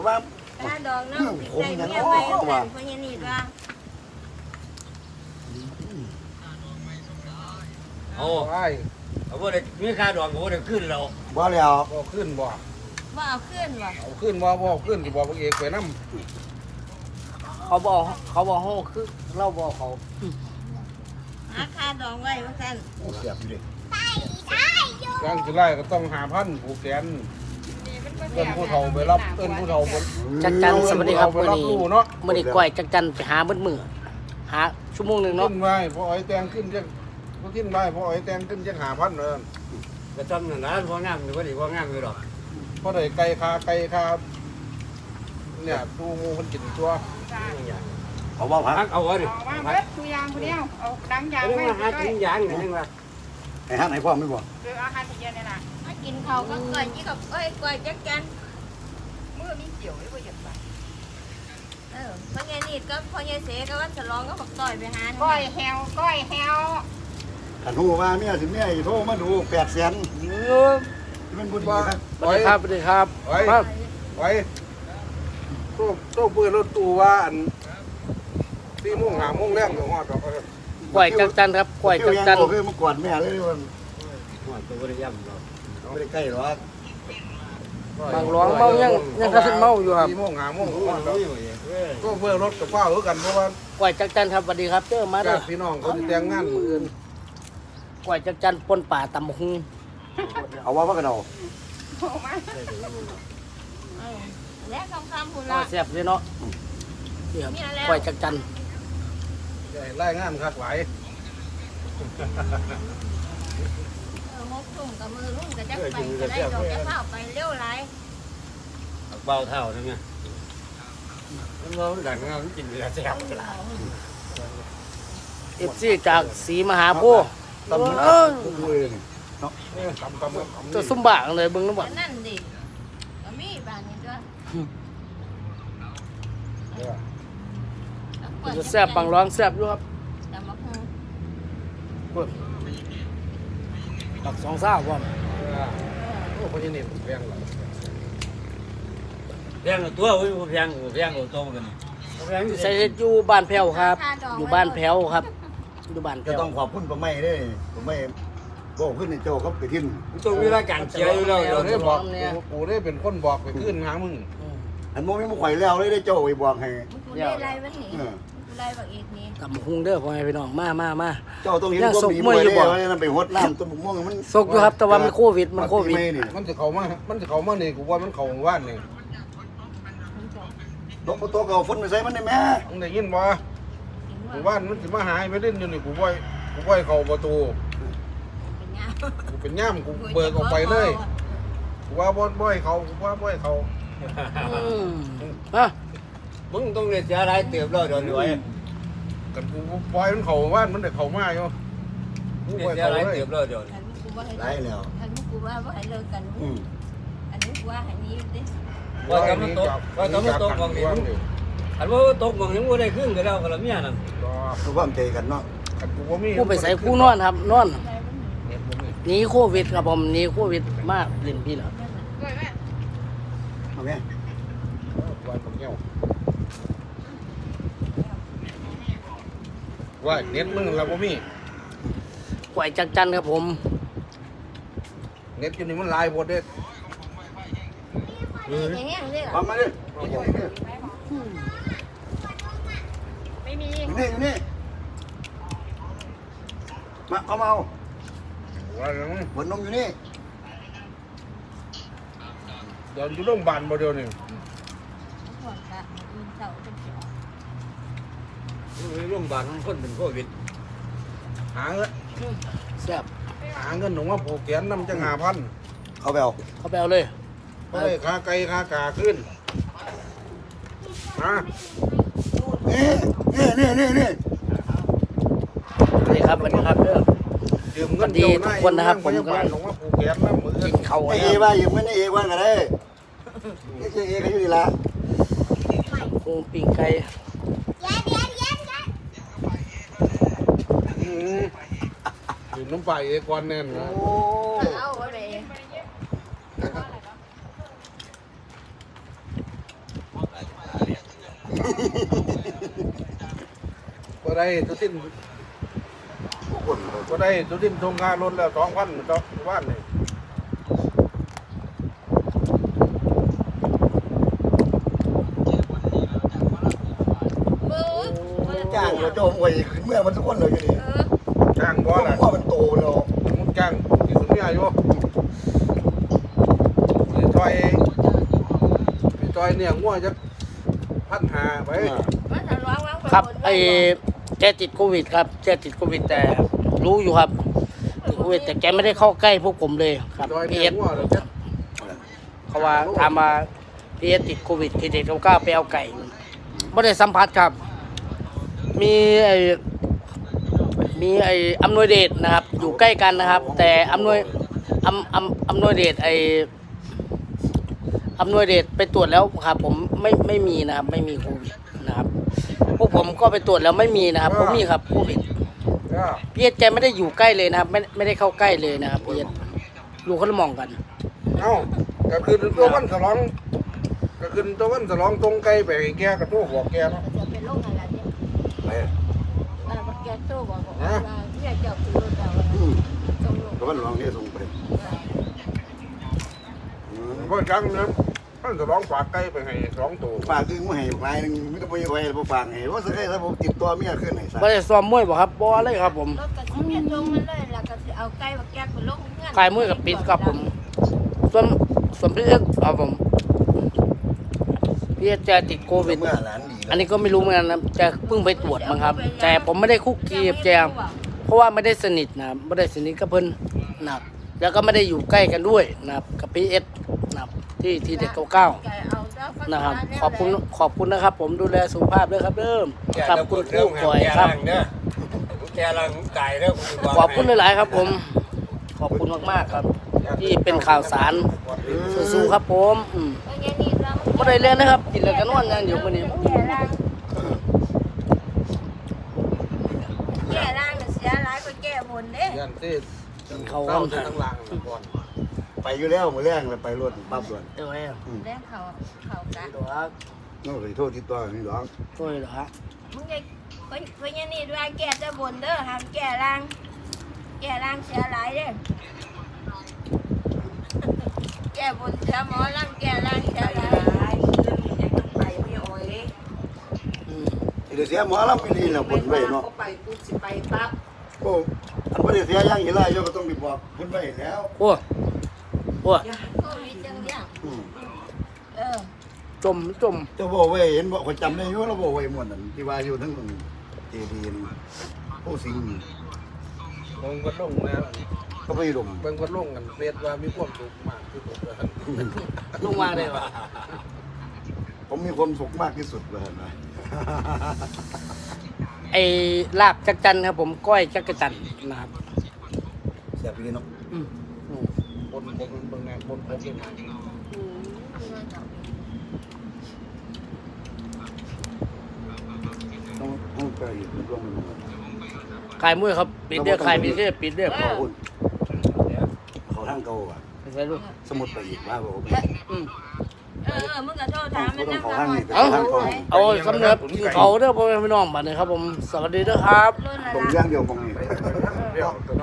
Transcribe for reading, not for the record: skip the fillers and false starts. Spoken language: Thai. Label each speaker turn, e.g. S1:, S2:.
S1: ว่า
S2: ถ้าดองน้ำติดใจเมียไปกันเพราะยันนี่ว่า
S3: โอ้เอาว่าได้มีค่าดองก็ว่าได้ขึ้นแล้ว
S1: บ่แล้ว
S4: บ่ขึ้นบ่
S2: ว่าเอาขึ้นว่ะ
S4: เอาขึ้นบ่ขึ้นสิบ่พวกเอกไปนำ
S5: เขาบอกห้องคือเราบอกเขา
S2: หาค่าดองไว้ว่ากัน
S1: เสียบอยู่ดิ
S4: ยังสิไล่ก็ต้อง5,000ผูกแขนเอิ้นผู้เฒ่าไปรับเอิ้นผู้เฒ่าไป
S5: จักจันสวัสดีครับ
S4: ไป
S5: มื้อ
S4: รับ
S5: นี้
S4: รู้เนาะ
S5: มื้อนี้ก้อยจักจันไปหาเบิดมื้อหาชั่วโมงนึงเนาะ
S4: ขึ้นไว้พออ้อยแต่งขึ้นจังบ่ขึ้นไว้พออ้อยแต่งขึ้นจัง5,000เด้อ
S3: ก็จำนั่นนะพองามอยู่ว่าดีพองามอยู่หรอก
S4: พอได้ไก่คาเนี่ยดูหมูมันกินตัว
S1: เอาว่าพัก
S3: เอาไว้ดิ
S6: เอาว่าเบิดทุกอย่างคนเดียวเอาดังยาง
S3: เรื่อง
S6: ไว้
S3: มาหา
S6: ด้ว
S3: กิ
S6: ย
S3: นยางนี่นึงว่า
S1: ให้ฮักให้พ่อไม่บ่
S6: หรืออาหารที่เย็นเนี่ยนะ
S2: มากินเขาก็ก่อยยี่กับก่อยจักจัน
S6: มือมีเกี่ยวหรือว่าหยัดไป
S2: เพราะยันนี่ก็พอยันเสก็ว่าฉลองก็บอกต่อยไปหา
S6: ก้อยแฮวก้อยแฮว
S1: ถ้าฮู้ว่าเมียสิเมียโทรมาดู800,000มันบุญดีครับ
S5: สวัสดีครับสวัสดีครับ
S4: ไว้
S5: มา
S4: ไว้โต้เปิดรถตู้ว่าอัน4:00 น 5:00 นแรงก็ฮอดดอก
S5: ก้อยจักจันครับก้อยจักจัน
S1: คือมากอดแม่เลยมัน
S3: หัวตัวบริยำเรา
S1: ไม่ได้ใกล้หรอก
S5: บางหลวงเมายังกระสิเมาอยู่ครับ
S4: 4:00 น 5:00 นก็ฮอดดอกก็เปิดรถกับฟ้าคือกันเพราะว่า
S5: ก้อยจักจันครับสวัสดีครับเจอมาเด้อ
S4: ญาติพี่น้องเขาสิแต่งงานมื้ออื่น
S5: ก้อยจักจันปนป่าตำบักหุ่ง
S1: เอาว่ากันเอา
S6: โอ้มา
S2: และคำพูด
S5: น่า
S2: ละ
S5: แซ่บเลยเนาะนี่ครับก้อยจักจัน
S4: ใหญ่รายงานคักหลาย
S2: มกตุ่มกับมือรุ่งกับจักไปจะได้ดอกจะเข้าไปเร็วไร
S3: เบาเท่านั่นไงมันเราดังเรากินเรือแซ่บ
S5: FC จากศรีมหาโพธิ์
S1: ตำมัน
S5: เออ
S1: ด้วยนี่
S4: ตำ
S5: ตัวซุ่มบากเลยเบิ่งน้ำบ่
S2: นั่นดิก็มีบ้านนี้ด้วย
S5: จะแซ่บบางร้องแซ่บอยู่ครับ
S2: แต่มาพูด
S5: ตักสองซ่าพร้อม
S4: โอ้พญานี่แพงหลาย
S3: แพงตัวเว้ยแพงเอาโตกันแพงอยู่
S5: ใส่เฮ็ดอยู่บ้านแพ้วครับ อยู่บ้านแพ้วครับอยู่บ้าน
S1: ก็
S5: แพ้ว
S1: ต้องขอบคุณป้าไม้เด้ป้าไม้บอกขึ้นในโจเขาไปทิ้ง
S3: ต้องมีรายการเชียร์อยู่แล้ว
S4: กูได้บอกกูได้เป็นคนบอกไปขึ้นหามึง
S1: อันโมมีมุข่อยแล้วเลยได้โจไปบอกให้
S2: กูได้ไรวันนี้กูได้บักอีกนี้
S5: ตำบักหุ่งเด้อพ่อแม่พี่น้องมา
S1: เจ้าต้องเห็นความดีมวยได้ว่านั่นไปหดน้ำต้นบุกม่วงมัน
S5: ซกอยู่ครับแต่ว่ามันโควิดมันโควิด
S4: มันจะเข้ามานี่กูว่ามันเข้าว่านนี่
S1: ตกตัวเก่าฝนไปใส่มันได้แม่
S4: มึงได้ยินบ่กูว่านมันสิมาหายไปเล่นอยู่นี่กูบ่อยเข้าประตู
S2: เป็นยา
S4: กูเป็นย่ำกูเบิกออกไปเลยกูว่าบ่อยเข้ากูว่าบ่อยเข้า
S5: ฮะ
S3: มึงต้องเรียนเสียรายเติบแล้วเดี๋ยวนี้ไว้
S4: กันกูปล่อยมันเข้าว่านมันได้เข้ามาอยู่กู
S3: เรีย
S4: บ่อน ย
S3: เสีย
S4: เข้าร
S3: าย
S4: เลย
S3: เติบแล้วเดี๋ยวนี้
S2: อันนี้กูว่าให้
S1: ได้แล้ว
S2: อันนี้กูว่าให้เลิกกันอันนี้กูว่าให้นี้ดิ
S3: ว่าจะมาตกมองนี่อันว่าตกมองยังว่าได้ขึ้นก็แล้วก็ละเมียนั่น
S1: คือความใจกันเนาะ
S4: กูบ่มี
S5: ผู้ไปใส่ผู้นอนครับนอนหนีโควิดครับผมหนีโควิดมากเล่นพี่เหรอ
S6: ก้อยแม่
S1: เอาแม่
S4: ว่าผมเงี้ยวว่าเน็ตมึงเราบ่มี
S5: กวยจักจันครับผม
S4: เน็ตอยู่นี่มันลายหมดเด้
S2: แห้งเลย
S1: เอามาดิ
S6: ไม่มี
S1: อยู่นี่มาเอามาเอา
S4: ว่าจัง
S1: หัวนมอยู่นี่
S4: เดี๋ยวอยู่โรงพยาบาลบ่เดี๋ยวนี้
S2: ห่วงละมันเศร้าเป็นเสียว
S3: โรงพยาบาลคนเป็นโควิด
S4: หาเงิน
S5: แซ่บ
S4: หนูว่าผูกแขนนำจัง5,000
S1: เขาไปเอา
S5: เขาไปเอาเลย
S4: เฮ้ยค่าไก่ค่ากาขึ้นมา
S1: นี่
S5: นี่ครับวันนี้ครับเด้อ
S4: ยืมเงิน
S5: สวัสดีทุกคนนะครับผมกำลัง
S4: หนูว่าผูกแขนนำมือ
S5: กินข้าว
S1: ไอ้
S5: นะ
S1: เอ
S5: ครับ
S1: ว่าอยู่ไม่ได้เอว่ากันเลยนี่คือเอเขาอยู่นี่ละ
S5: คงปิ้งไก่
S4: ยืมน้ำไปเอกวันแน่นนะ
S1: โอ้
S2: เอาไป
S4: ก็ได้ตัวสิ้น
S1: คน
S4: ก็ได้ตัวสิ้นทงงานล้นแล้ว2,000ต่อวันนี่
S2: มือ
S1: จ้างเราโจมไว้เมื่อมันทุกคนเลยอยู่นี่
S4: จ้างบ่
S1: เพราะ
S4: ล่ะ
S1: ว่ามันโตแล้ว
S4: มึงจ้างที่สุดเนี่ยอยู่พี่จอยเนี่ยงัวจะ1,500ไป
S2: มันจะร้องร้อง
S5: ครับไอ้แกติดโควิดครับแกติดโควิดแต่รู้อยู่ครับติดโควิดแต่แกไม่ได้เข้าใกล้พวกผมเลยครับ
S4: จอย
S5: พี
S4: เนี่
S5: เอย ส
S4: งัวเดี๋ยวจะ
S5: เขาว่าถามมาพีเอสติดโควิดที่เด็กเขากล้าไปเอาไก่ไม่ได้สัมผัสครับ มีไอ้อำนวยเดชนะครับ อยู่ใกล้กันนะครับ แต่อำนวยเดชอำนวยเดชไปตรวจแล้วครับ ผมไม่มีนะครับ ไม่มีโควิดนะครับ พวกผมก็ไปตรวจแล้วไม่มีนะครับผมมีครับโควิด
S4: จ้า
S5: พีเอสแกไม่ได้อยู่ใกล้เลยนะครับ ไม่ได้เข้าใกล้เลยนะครับพีเอสอยู่คนละหมองกัน
S4: เอ้าก็คือตัววันฉลองก็คือตัววันฉลองตรงไกลไปให้แกกระโทกบอกแกเนาะ
S2: จะเป็นโรคอะไรเนี่ย
S1: ไป
S2: แกโตบอกว่าอยากจะคือแต่ว่าตรงลง
S1: ก็มันลองนี่ส่งไป
S4: เพราะครั้งนั้นวันฉลองฝากไกลไปให้2ตัว
S1: ฝากคือมาให้ลายนึงไม่ต้องไปไว้บ่ฝากให้ว่าสักแค่ถ้าผมติดตัวเมียขึ้นไหนซะ
S5: ไม่ได้ซ้อมมวยบ่ครับบ่เลยครับผม
S2: รถกระชิ้นตรงมันเลยแล้วก็เอาไก่มาแกะเป็นลูกเงื่อน
S5: ขายมวยกับปิดครับผมส่วนพีเอสครับผมพีเอสจะติดโควิด
S1: เมื่อหลานดี
S5: อันนี้ก็ไม่รู้เหมือนกันนะจะเพิ่งไปตรวจมั้งครับ แต่ผมไม่ได้คุกคีกับแจมเพราะว่าไม่ได้สนิทนะครับไม่ได้สนิทกับเพิ่นนะครับแล้วก็ไม่ได้อยู่ใกล้กันด้วยนะครับกับพีเอสนะครับที่เด็กเก้าๆนะครับขอบคุณนะครับ ผมดูแลสุขภาพด้วยครับเริ่มครับคุณครูก่อยครับ
S3: แกลังไก่เด้อ
S5: ขอบคุณหลายๆครับ ผมขอบคุณมากๆครับ ที่เป็นข่าวสารสู้ๆครับผมไม่ได้เล่นนะครับกินแล้วก็นอนอย่างเดียววันนี้
S2: แก่ร่างเสียร้ายก็แก่บนเด้
S4: ยันที่
S5: เขา
S4: เข้าจะทั้งหลังก่อน
S1: ไปอยู่แล้วมื้อแรงเลยไปรถปั๊บด่วน
S5: เดี๋ยวให้
S2: แรงเขากะ
S5: เดี๋ยวครับ
S1: น้องเคยโทษติดต่อนี่ดอก
S5: ช่วยเหรอฮะ
S2: มึงไงเพิ่นนี่ด้วยแก่จะบนเด้อห้ามแก่ร่างเสียร้ายเด้อแก่บนเสียหมอร่างแก่ร่างเสียร้าย
S1: เดี๋ยวเสียหมอลำปีนี้แล้วคนไว้เนาะ
S6: ไปกูสิไปปั๊บ
S1: โอ้อันบ่ได้เสียอย่างอีหลายโยก็ต้องไปบอกคนไว้แล้ว
S5: โอ้
S2: โควิดจังเนี่ย
S5: จม
S1: เจ้าบ่ไว้เห็นบ่คนจำได้อยู่แล้วบ่ไว้หมดนั่นที่ว่าอยู่ทั้งเจดีย์ผู้สิงห์
S4: ลงก็ลงนะ
S1: ก็ไปดม
S4: เบิ่งก็ลงกันเรียกว่ามีความสุขมากที่สุดเลย
S5: ลงมาเลยวะ
S1: ผมมีความสุขมากที่สุดเลยนะ
S5: ไอ้ลาบจักจันครับผมก้อยจักรจันนะครับ
S1: เสียไปเลยเนาะ
S4: บนเบิ่งแนวบนผมเป็นไง
S1: ต้องไปอีกร่วงไปหมด
S5: ขายมวยครับปิดเด้อขายปิดเด้อปิดเด้อ
S1: ขอบคุณเขาทางเก่าอ่ะ
S5: ใส่ลูก
S1: สมุดไปอีกว่าบ่
S2: มึงก็โทษถามมัน
S1: ต้อ
S2: นะ
S1: งเขาทางนี่
S5: เอา
S1: ทางเขา
S5: เอาสำเร็จกินเขาเด้อพ่อแม่พี่น้องบัดนี้ครับผมสวัสดีเด้อครับ
S1: ตรงย่างเดียวมองนี่
S4: เดี๋ยว